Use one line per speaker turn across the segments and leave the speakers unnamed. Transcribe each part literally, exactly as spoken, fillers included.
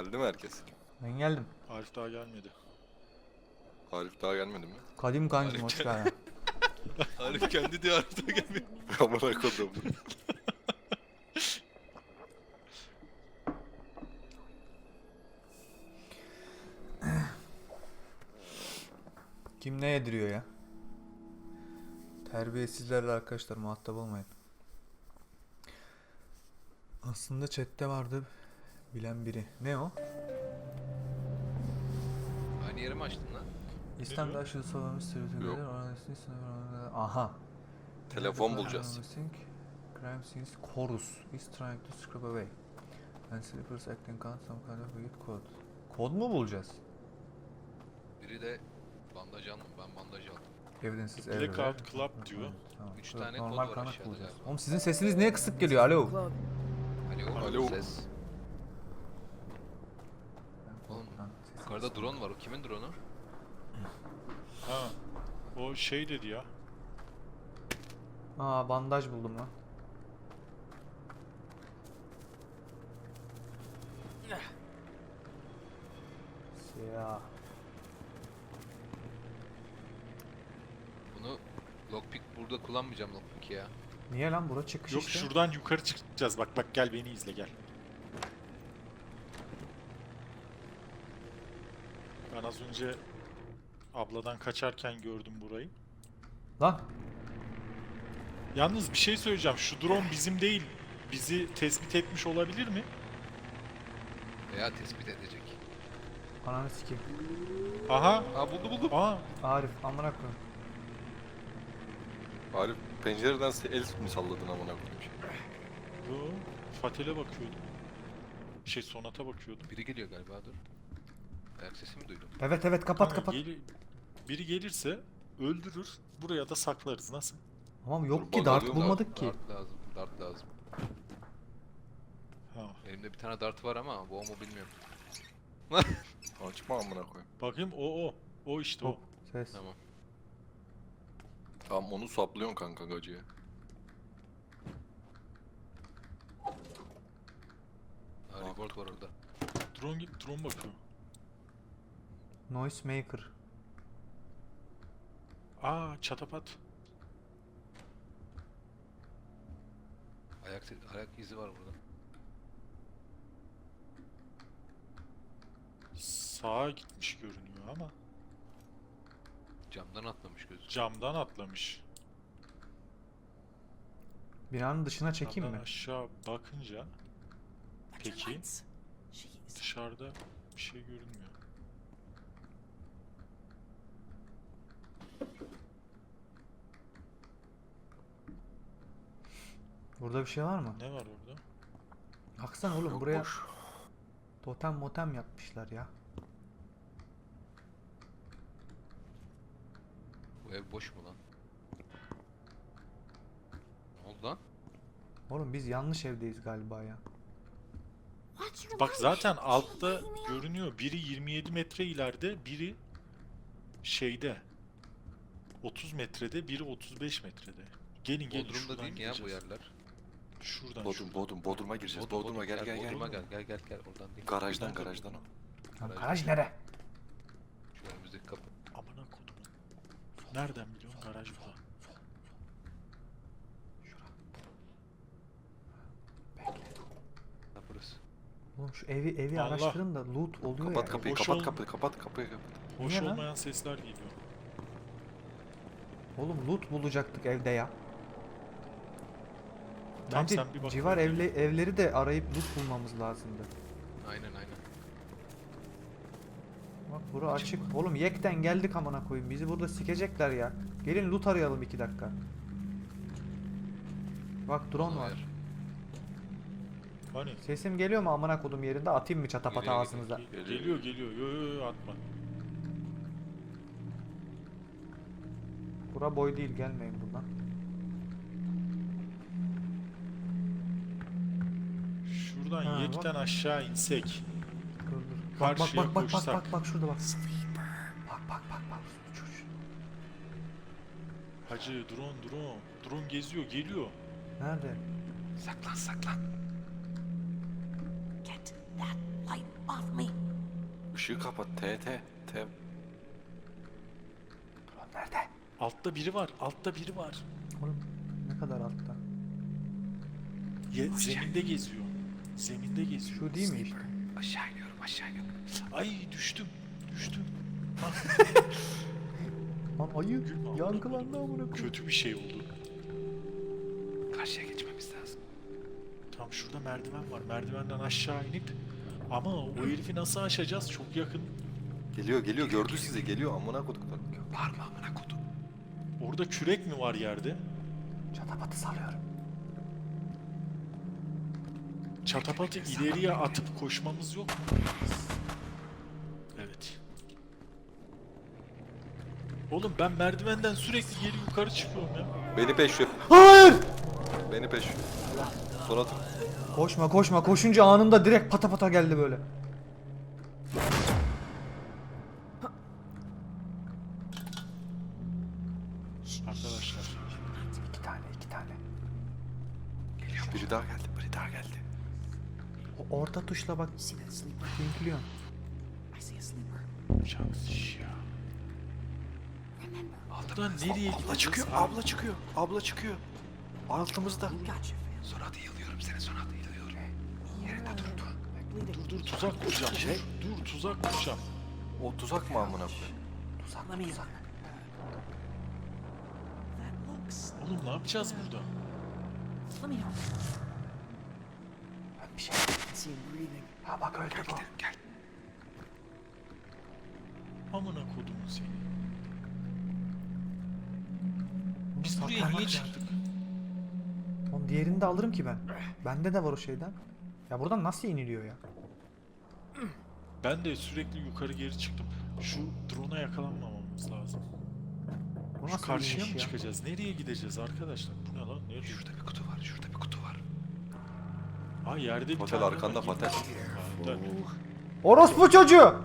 Geldi mi herkes?
Ben geldim.
Arif daha gelmedi.
Arif daha gelmedi mi?
Kadim kancım
Arif
hoş
gel-
geldin.
Arif kendi diye Arif daha gelmiyor. Amına kodum.
Kim ne yediriyor ya? Terbiyesizlerle arkadaşlar muhatap olmayın. Aslında chatte vardı bilen biri. Ne o?
Aynı yeri mi açtın lan?
İslam'da
diyor?
aşırı savunmuş
Yok.
stereotipleri aha.
Telefon bulacağız.
Crime scenes chorus is trying to scrub away. And sleepers acting on some kind of weird code. Kod mu bulacağız?
Biri de bandaj aldım. Ben bandaj aldım.
Evidences
Blackout
everywhere.
Club diyor.
Tamam.
Üç
Evet,
tane kod
normal
var
kanıt
aşağıda
bulacağız.
galiba.
Oğlum sizin sesiniz niye kısık geliyor? Alo.
Alo.
Alo.
Ses.
Ben
Oğlum,
korkudan sesim
Yukarıda
kısık.
drone var. O kimin drone'u?
Ha. O şey dedi ya.
Aa bandaj buldum lan. Siyah.
Bunu lockpick burada kullanmayacağım lockpick ya.
Niye lan bura çıkış
Yok
işte.
şuradan yukarı çıkacağız. Bak bak gel beni izle gel. Ben az önce abladan kaçarken gördüm burayı.
Lan
Yalnız bir şey söyleyeceğim. Şu drone bizim değil. Bizi tespit etmiş olabilir mi?
Veya tespit edecek.
ananı sikeyim.
Aha.
Aa buldu buldum.
Aa.
Arif amına koyayım.
Arif pencereden el mi salladın amına koyayım?
Yo. Fatel'e bakıyordum. Şey Sonat'a bakıyordum.
Biri geliyor galiba dur. Ayak sesi mi duydum?
Evet evet kapat
Ha,
kapat.
geli- biri gelirse öldürür. Buraya da saklarız. Nasıl?
Tamam
Dur,
yok ki
bak
dart
alıyorum da-
bulmadık ki.
Dart lazım. Dart lazım.
Ha.
Elimde bir tane dart var ama bu o mu bilmiyorum.
Açma amına koyayım.
Bakayım o o. O işte o.
Ses.
Tamam.
Tamam onu saplıyorsun kanka gacıya.
Ha, report var orada.
Drone git drone bakıyor.
Noise maker.
Aa çatapat.
Ayak, se- ayak izi var burada.
Sağa gitmiş görünüyor ama
Camdan atlamış gözü.
camdan atlamış.
Binanın dışına çekeyim
Camdan
mi?
aşağı bakınca peki dışarıda bir şey görünmüyor.
Burada bir şey var mı?
Ne var orada?
Baksana oğlum
Yok,
buraya
boş.
totem motem yapmışlar ya.
Bu ev boş mu lan? Ne oldu lan?
Oğlum biz yanlış evdeyiz galiba ya.
Bak zaten altta görünüyor. Biri yirmi yedi metre ileride, biri şeyde. otuz metrede, biri otuz beş metrede. Gelin gelin
Bodrum'da
şuradan
değil mi ya bu
gideceğiz.
yerler?
Şuradan
Bodrum,
şuradan.
Bodrum, Bodrum'a gireceğiz.
Bodrum,
Bodrum'a gel gel gel.
Bodrum'a gel gel gel gel oradan değil.
Garajdan garajdan o.
Lan
Garaj.
garaj nere?
Şu önümüzdeki kapı.
Amına kodumun. Nereden biliyorsun garaj burada?
Ha burası.
Oğlum şu evi evi
Allah.
araştırın da loot oluyor
Kapat
ya.
kapıyı,
boş
kapat
ol-
kapıyı, kapat kapıyı, kapat.
Hoş
Niye lan?
olmayan sesler geliyor.
Oğlum loot bulacaktık evde ya.
Tamam,
Bence
sen bir bak
civar
oraya.
evle, evleri de arayıp loot bulmamız lazımdı.
Aynen aynen.
Bak bura açık. Oğlum yekten geldik amına koyayım. Bizi burada sikecekler ya. Gelin loot arayalım iki dakika. Bak drone var.
Yer.
Hani?
Sesim geliyor mu amına kodum yerinde? Atayım mı çatapata
Geliyor,
ağzınıza?
Ge- Geliyor geliyor. Yo yo yo atma.
Bura boy değil gelmeyin buradan.
Şuradan
Ha,
yekten aşağı insek.
Dur dur. Bak bak
Karşıya
bak bak bak
koşsak.
bak bak şurada bak. Bak bak bak bak. Çocuğu.
Hacı drone drone. Drone geziyor geliyor.
Nerede?
Saklan saklan.
that light off me.
Işığı kapat. T T. T.
Nerede?
Altta biri var. Altta biri var.
Oğlum ne kadar altta?
Ye, zeminde geziyor. Zeminde geziyor.
Şu değil mi işte?
Aşağı iniyorum aşağı iniyorum.
Ay düştüm. Düştüm.
Lan ayı
Gülme amına
yankılandı amına koyayım.
Kötü bir şey oldu.
Karşıya geçmemiz lazım.
Tam şurada merdiven var. Merdivenden aşağı inip ama o herifi nasıl aşacağız? Çok yakın.
Geliyor geliyor. Gördü sizi. Geliyor. Amına koduklar.
Bağırma amına kodum.
Orada kürek mi var yerde?
Çatapatı salıyorum.
Çatapatı ileriye atıp koşmamız yok mu? Evet. Oğlum ben merdivenden sürekli geri yukarı çıkıyorum ya.
Beni peşliyor.
Hayır!
Beni peşliyor. Sonra
Koşma koşma koşunca anında direkt pata pata geldi böyle.
Arkadaşlar.
İki tane iki tane.
biri daha geldi. Biri daha geldi.
O orta tuşla bak.
See that sleeper?
Linkliyorsun.
I see a sleeper.
Şans ya.
Remember,
Buradan nereye
Abla
gideceğiz?
çıkıyor.
abi?
Abla çıkıyor. Abla çıkıyor. Altımızda.
gotcha, fam.
Sonra da yılıyorum seni sonra da yılıyorum. Yerinde dur dur.
Bleeding.
Dur dur tuzak kuracağım.
Şey-
Dur, dur tuzak kuracağım.
O tuzak mı amına koyayım?
Let me in. That looks.
Oğlum ne yapacağız burada?
Let me help.
Bir şey.
I see him breathing.
Ha bak öldü bu.
Gel.
Amına kodumun seni.
Bunu
Biz buraya
saklamak
niye
lazım.
çıktık?
Onun diğerini de alırım ki ben. Bende de var o şeyden. Ya buradan nasıl iniliyor ya?
Ben de sürekli yukarı geri çıktım. Şu drone'a yakalanmamamız lazım.
Bu
Şu
nasıl
karşıya
iniş
mı
ya?
çıkacağız? Nereye gideceğiz arkadaşlar? Bu ne lan? Nerede?
Şurada bir kutu var. Şurada bir kutu var.
Ha yerde bir
Patel
tane
arkanda
var.
patel.
Patel.
Orospu çocuğu!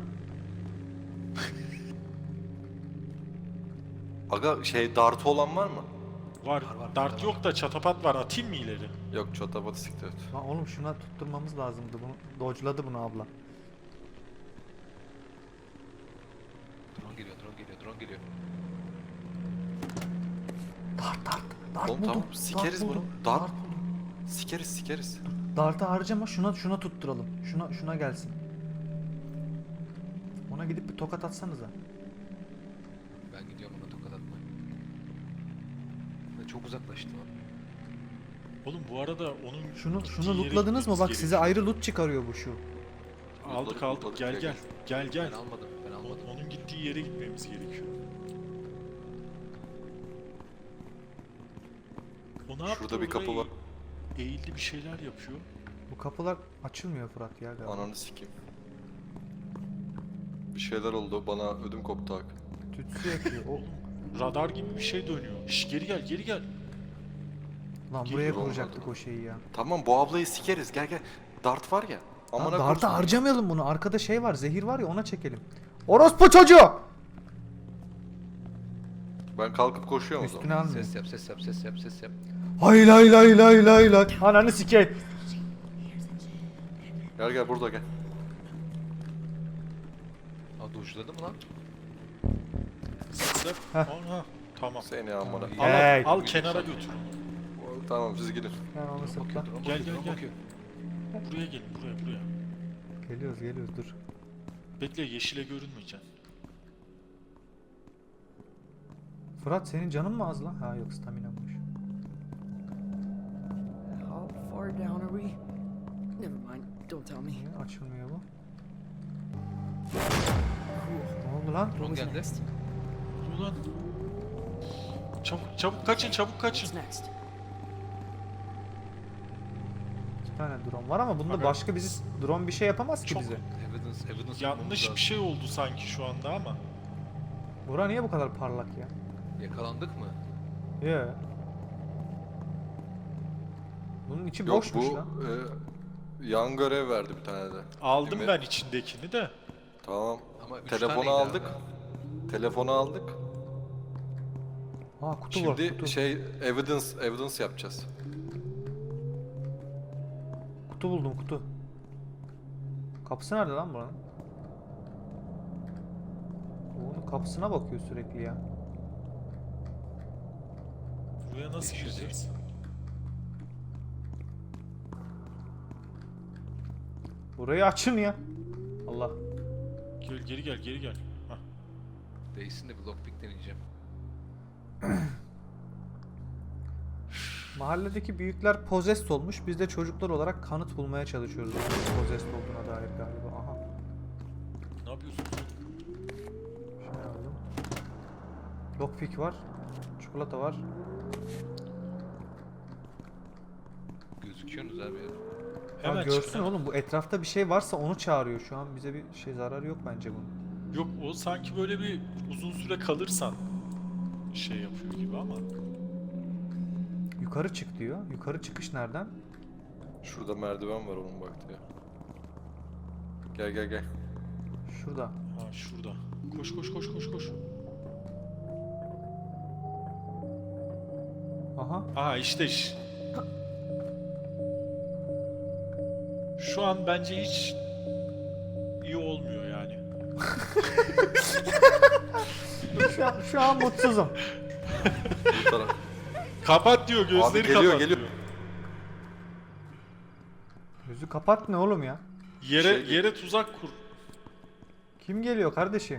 Aga şey dartı olan var mı?
Var. Dart yok da çatapat var. Atayım mı ileri?
Yok çatabatı siktir et.
Lan oğlum şuna tutturmamız lazımdı bunu. Dodge'ladı bunu abla.
Drone geliyor drone geliyor drone geliyor.
Dart dart. Dart
Oğlum
buldum.
tamam, sikeriz
dart
bunu.
buldum.
Dart.
Dart buldum.
Sikeriz sikeriz.
Dart'ı harcama şuna şuna tutturalım. Şuna şuna gelsin. Ona gidip bir tokat atsanıza.
Ben gidiyorum ona tokat atmaya. Ve çok uzaklaştı o.
Oğlum bu arada onun
Şunu
gittiği
şunu
yere
lootladınız mı?
gitmemiz
Bak size
gerekiyor.
ayrı loot çıkarıyor bu şu.
Aldık
Lootladık,
aldık.
lootladık,
Gel
gel,
gel. Gel gel.
Ben almadım ben
O-
almadım.
Onun gittiği yere gitmemiz gerekiyor. O ne yaptı?
Şurada bir kapı
Orada
var.
eğ- Eğildi bir şeyler yapıyor.
Bu kapılar açılmıyor Fırat ya galiba.
Ananı sikeyim. Bir şeyler oldu. Bana ödüm koptu Hakan.
Tütsü yakıyor. O
Radar gibi bir şey dönüyor. Şş, geri gel geri gel.
lan
Geliyor,
buraya
olmadı.
kuracaktık o şeyi ya.
Tamam bu ablayı sikeriz. Gel gel. Dart var ya.
Lan
Amına
darta
koysun.
harcamayalım bunu. Arkada şey var, zehir var ya ona çekelim. Orospu çocuğu!
Ben kalkıp koşuyorum o zaman.
Üstüne almıyor.
Ses yap ses yap ses yap ses yap.
Hay lay lay lay lay lay. Ananı sikey.
Gel gel burada gel.
Aa dojladı mı lan?
Zıp zıp.
Heh.
Aha, tamam.
Seni amına.
Al,
Hey.
al, al kenara götür.
Tamam siz gidin.
Ben onu
Bakıyor
sıkla.
drone
Gel,
bakıyor,
gel,
drone
gel.
bakıyor.
Buraya gelin buraya buraya.
Geliyoruz geliyoruz dur.
Bekle yeşile görünmeyeceksin.
Fırat senin canın mı az lan? Ha yok stamina'mış.
How far down are we? Never mind. Don't tell me.
Niye açılmıyor bu? Ne oldu lan?
Drone
Who's
geldi.
next?
Ulan. Çabuk çabuk kaçın çabuk kaçın.
What's next?
İki tane drone var ama bunda
Aga.
başka bizi drone bir şey yapamaz ki
Çok-
bize.
Evidence evidence bulmamız
Yanlış
lazım.
bir şey oldu sanki şu anda ama.
Bura niye bu kadar parlak ya?
Yakalandık mı?
Ye. Bunun içi
Yok
boşmuş
bu
lan.
e, yan görev verdi bir tane de.
Aldım
Değil mi?
ben içindekini de.
Tamam.
Ama üç
Telefonu
taneydi
aldık.
abi.
Telefonu aldık.
Aa kutu var
Şimdi
kutu.
şey evidence evidence yapacağız.
Kutu buldum kutu. Kapısı nerede lan buranın? Onun kapısına bakıyor sürekli ya.
Buraya nasıl gireceğiz?
Burayı açın ya. Allah.
Gel geri gel geri gel. Hah.
Değilsin de bir lockpick deneyeceğim.
Mahalledeki büyükler possessed olmuş. Biz de çocuklar olarak kanıt bulmaya çalışıyoruz. Onun possessed olduğuna dair galiba. Aha.
Ne yapıyorsun?
Şey aldım. Lockpick var. Çikolata var.
Gözüküyorsunuz abi ya.
Ya
Hemen
görsün
çıkın, hemen.
oğlum, bu etrafta bir şey varsa onu çağırıyor şu an. Bize bir şey zararı yok bence bunun.
Yok o sanki böyle bir uzun süre kalırsan şey yapıyor gibi ama.
Yukarı çık diyor. Yukarı çıkış nereden?
Şurada merdiven var onun baktı ya. Gel gel gel.
Şurada.
Ha şurada. Koş koş koş koş koş.
Aha.
Aha işte iş. Şu an bence hiç iyi olmuyor yani.
Şu an, şu an mutsuzum.
Bu taraf.
Kapat diyor gözleri
Abi geliyor,
kapat
geliyor.
diyor.
Gözü kapat ne oğlum ya?
Yere
Şey geliyor.
yere tuzak kur.
Kim geliyor kardeşim?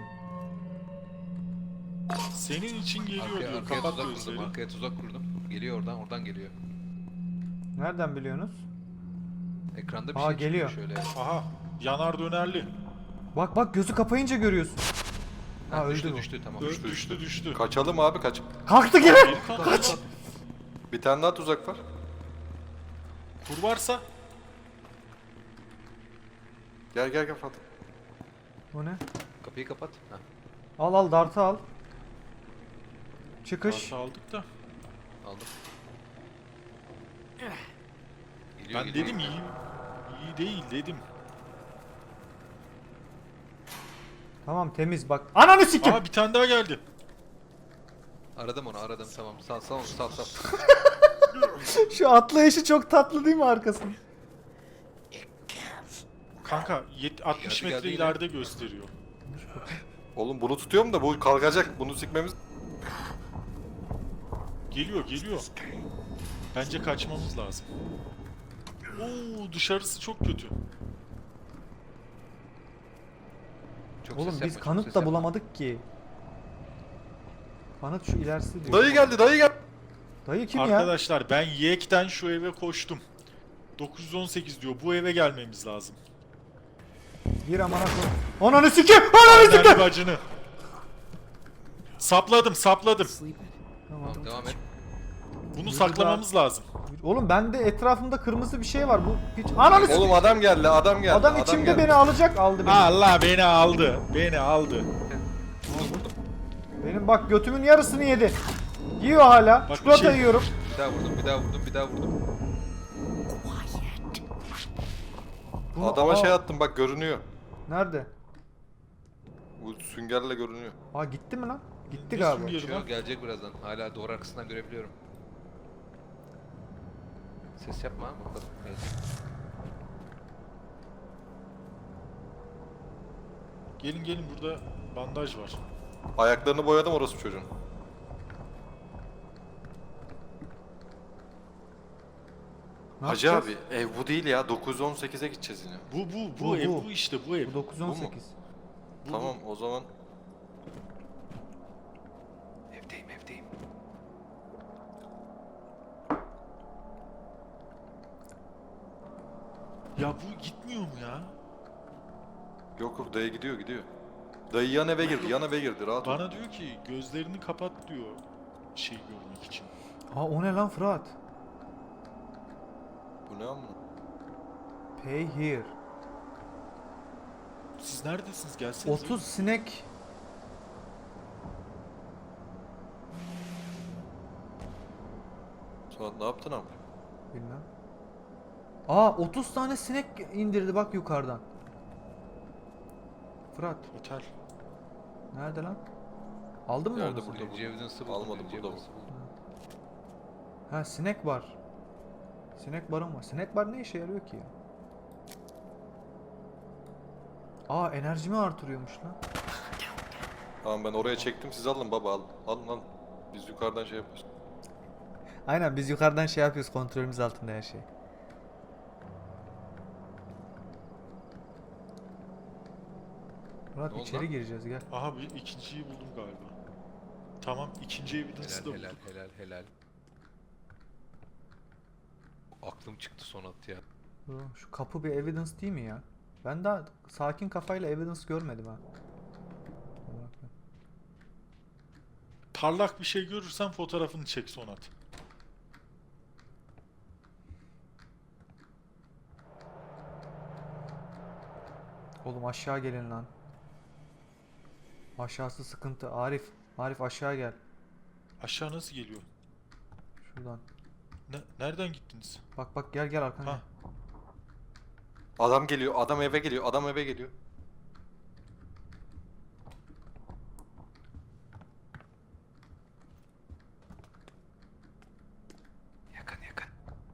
Senin için geliyor
Arkaya,
diyor.
arkaya
Kapat
tuzak kurdum.
gözleri.
Arkaya tuzak kurdum. Geliyor oradan, oradan geliyor.
Nereden biliyorsunuz?
Ekranda bir
Aa,
şey
geliyor.
çıkıyor şöyle.
Aha yanar dönerli.
Bak bak, gözü kapayınca görüyorsun. Ha,
Ha,
öldü
düştü
bu.
düştü tamam.
Dö-
Düştü,
düştü düştü.
düştü. Kaçalım abi kaç.
Kalktı geri.
Geri kalk,
Kaç.
kalk.
Bir tane daha tuzak var.
Kur varsa
Gel gel gel Fatih.
Bu ne?
Kapıyı kapat. Ha.
Al al, dartı al. Çıkış.
kartı aldık da.
Aldım. Geliyor,
Ben
geliyor.
dedim iyi. İyi değil dedim.
Tamam, temiz bak. Ananı sikim.
Aa bir tane daha geldi.
Aradım onu aradım tamam. Sal sal onu sal sal.
Şu atlayışı çok tatlı değil mi arkasında?
Kanka yet- altmış
Geldi,
metre
geldi
ileride gösteriyor.
Oğlum bunu tutuyorum da bu kalkacak. Bunu sikmemiz.
Geliyor geliyor. Bence kaçmamız lazım. Oo dışarısı çok kötü.
Çok
Oğlum
ses
biz
yapma, çok
kanıt
ses
da
yapma.
bulamadık ki. Kanıt şu ilerisi diyor.
Dayı geldi dayı geldi.
Dayı kim ya?
Arkadaşlar ben Yek'ten şu eve koştum. dokuz yüz on sekiz diyor. Bu eve gelmemiz lazım.
Bir amana koy. Ananı sikim. Ananı
Anneanne
sikim.
bacını. Sapladım sapladım.
Tamam.
Tamam devam et.
Bunu
Burada-
saklamamız lazım.
Oğlum bende etrafımda kırmızı bir şey var. Bu hiç... Ananı sikim.
Oğlum adam geldi adam geldi.
Adam içimde
geldi.
beni alacak. Aldı beni.
Allah beni aldı. Beni aldı.
Benim bak götümün yarısını yedi. Yiyor hala.
Bak bir
Çikolata
şey-
yiyorum.
Bir daha vurdum bir daha vurdum bir daha vurdum.
Bunu-
Adama
Aa,
şey attım bak görünüyor.
Nerede?
Bu süngerle görünüyor.
Aa, gitti mi lan? Gitti
Ne
galiba.
süngeri?
Şu gelecek birazdan. Hala duvar arkasından görebiliyorum. Ses yapma ama bakalım. Gelecek.
Gelin gelin burada bandaj var.
Ayaklarını boyadım orası çocuğun.
Ne
Hacı
yapacağız?
abi ev bu değil ya. dokuz yüz on sekize gideceğiz yine.
Bu bu bu,
Bu,
ev
bu.
bu işte bu ev.
Bu dokuz on sekiz.
Bu,
Tamam o zaman.
Evdeyim evdeyim.
Ya bu gitmiyor mu ya?
Yok yok dayı gidiyor gidiyor. Dayı yan eve girdi yan eve girdi rahat ol.
Bana diyor ki gözlerini kapat diyor. Şey görmek için.
Aa, o ne lan Fırat?
Bu ne amına?
Pay here.
Siz neredesiniz? Gelsenize.
otuz sinek.
Suat ne yaptın abi?
Bilmem. Aa, otuz tane sinek indirdi bak yukarıdan. Fırat
Otel.
nerede lan? Aldın mı
Nerede
onu?
burada?
Birinci evidence'ı buldum.
Almadım,
birinci
burada bu.
evidence'ı buldum.
Ha, sinek var. Sinek barın var. Sinek bar ne işe yarıyor ki ya? Aa enerjimi artırıyormuş lan.
Tamam ben oraya çektim, siz alın baba, alın. Alın alın. Biz yukarıdan şey yapıyoruz.
Aynen biz yukarıdan şey yapıyoruz, kontrolümüz altında her şey. Murat
Ne oldu
içeri
lan?
gireceğiz gel.
Aha bir ikinciyi buldum galiba. Tamam ikinci evidence'ı da
Helal helal
bulduk.
helal helal. Aklım çıktı Sonat ya.
Dur, şu kapı bir evidence değil mi ya? Ben daha sakin kafayla evidence görmedim ha. Bak.
Parlak bir şey görürsen fotoğrafını çek Sonat.
Oğlum aşağı gelin lan. Aşağısı sıkıntı. Arif, Arif aşağı gel.
Aşağı nasıl geliyor?
Şuradan.
Ne, nereden gittiniz?
Bak bak gel gel arkana.
Ha.
Adam geliyor, adam eve geliyor, adam eve geliyor.
Yakın yakın.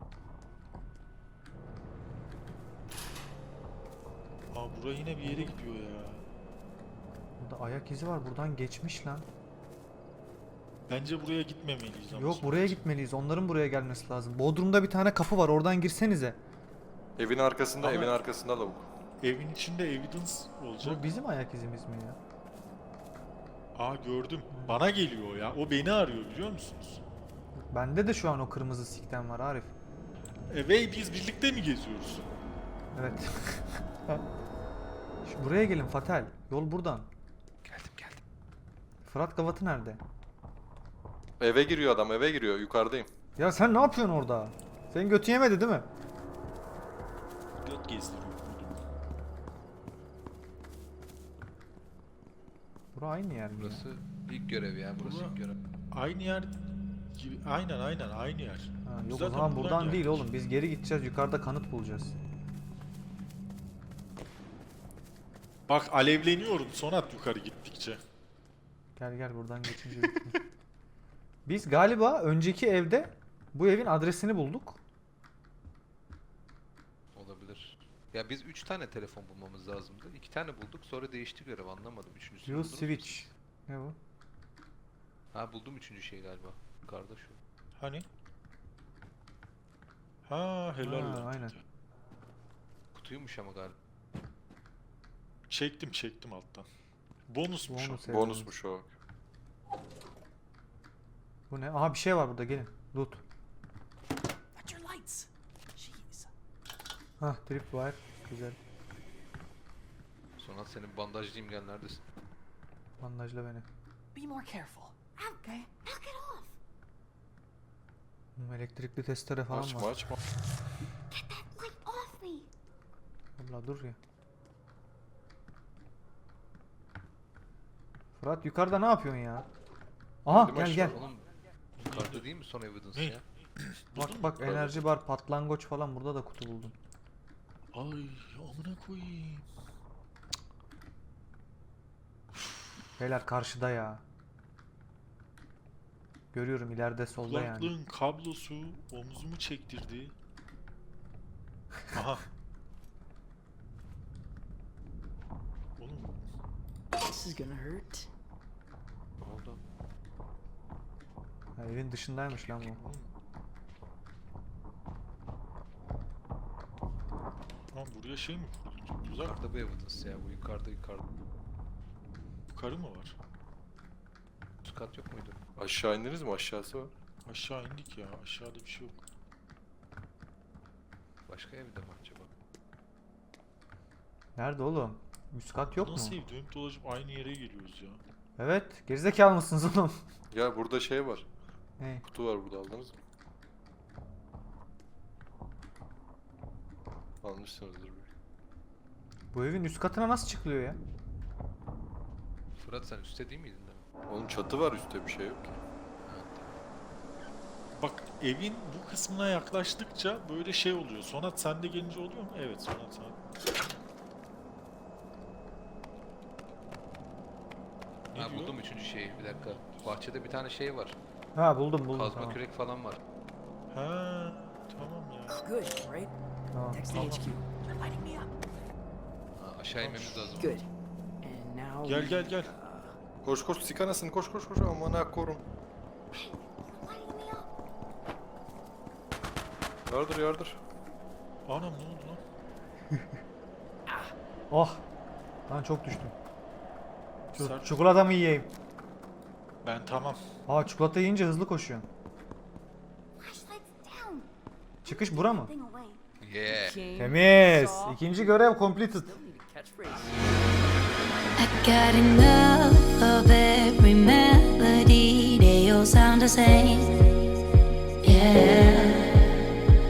Aa buraya yine bir yere gidiyor ya.
Burada ayak izi var. Buradan geçmiş lan.
Bence buraya gitmemeliyiz ama.
Yok
Sonat.
buraya gitmeliyiz. Onların buraya gelmesi lazım. Bodrum'da bir tane kapı var. Oradan girsenize.
Evin arkasında,
Ama-
evin arkasında lavuk.
Evin içinde evidence olacak.
Bu bizim ayak izimiz mi ya?
Aa gördüm. Bana geliyor ya. O beni arıyor biliyor musunuz?
Bende de şu an o kırmızı sikten var Arif.
E ve biz birlikte mi geziyoruz?
Evet. Şu buraya gelin Fatel. Yol buradan.
Geldim geldim.
Fırat Gavatı nerede?
Eve giriyor adam, eve giriyor. Yukarıdayım.
Ya sen ne yapıyorsun orada? Senin götü yemedi değil mi?
Göt gezdiriyor.
Bura aynı yer mi ya?
Burası ilk görev ya. Burası
Bura-
ilk görev.
Aynı yer gibi. Aynen aynen aynı yer.
Ha,
Biz
yok o
zaten
zaman
buradan
buradan değil
geldik.
oğlum. Biz geri gideceğiz. Yukarıda kanıt bulacağız.
Bak alevleniyorum Sonat yukarı gittikçe.
Gel gel buradan geçince bitmiyor. Biz galiba önceki evde bu evin adresini bulduk.
Olabilir. Ya biz üç tane telefon bulmamız lazımdı. iki tane bulduk sonra değişti görev anlamadım. Üçüncüsünü
Use
buldunuz mu
switch.
siz?
Ne bu?
Ha buldum üçüncü şey galiba. Yukarıda şu.
Hani? Ha helal
Ha,
lan.
aynen.
Kutuymuş ama galiba.
Çektim çektim alttan. Bonusmuş o.
Bonus evidence.
Bonusmuş o.
Bu ne? Aha bir şey var burada gelin. Loot.
Watch your lights. Jeez.
Hah tripwire. Güzel.
Sonat senin bandajlayayım gel neredesin?
Bandajla beni.
Be more careful. Okay?
Knock it off.
Hmm, elektrikli testere falan
Açma
var.
açma.
Get that light off me.
Allah dur ya. Fırat yukarıda ne yapıyorsun ya? Aha
Dedim
gel
aşağı.
gel.
Oğlum yukarıda değil mi son evidence
Ne?
ya?
Buldun mu?
Bak bak enerji bar, patlangoç falan burada da kutu buldum.
Ay amına koyayım.
Beyler karşıda ya. Görüyorum ileride solda yani.
Kulaklığın kablosu omzumu çektirdi. Aha. Oğlum
This is gonna hurt.
Ne oldu?
Ha, evin dışındaymış lan bu.
oğlum. Lan buraya şey mi kuruldu? Tuzak
Yukarıda bu evidence ya bu yukarıda yukarıda.
yukarı mı var?
Üst kat yok muydu?
Aşağı indiniz mi? Aşağısı var.
Aşağı indik ya. Aşağıda bir şey yok.
Başka evde mi acaba?
Nerede oğlum? Üst kat yok mu?
Nasıl ev? Dönüp dolaşıp aynı yere geliyoruz ya.
Evet. Gerizekalı mısınız oğlum?
Ya burada şey var.
Ne?
Kutu var burada, aldınız mı? Almışsınızdır belki.
Bu evin üst katına nasıl çıkılıyor ya?
Fırat sen üstte değil miydin demin?
Oğlum çatı var, üstte bir şey yok ki.
Ha, tamam.
Bak evin bu kısmına yaklaştıkça böyle şey oluyor. Sonat sende gelince oluyor mu? Evet Sonat sen. Ne
Ha
diyor?
buldum üçüncü şeyi bir dakika. Bahçede bir tane şey var.
Ha buldum buldum
Kazma
tamam.
kürek falan var.
Ha tamam ya.
Good, right?
Tamam.
Text the
Tamam.
H Q. They're lighting me up.
Ha Aşağı inmemiz lazım.
Good. And now.
Gel
we,
gel gel.
uh,
Koş koş sik anasını koş koş koş aman ha korum.
Lighting me up.
Yardır yardır.
Anam ne oldu lan?
Oh. Lan çok düştüm. Şu
Sert.
çikolata mı yiyeyim?
Ben tamam.
Aa çikolata yiyince hızlı koşuyorsun.
Flashlights down.
Çıkış bura mı?
Thing away.
Yeah.
King,
Temiz.
soft,
İkinci görev completed.
still need a catchphrase.
I got enough of every melody, they all sound the same. Yeah.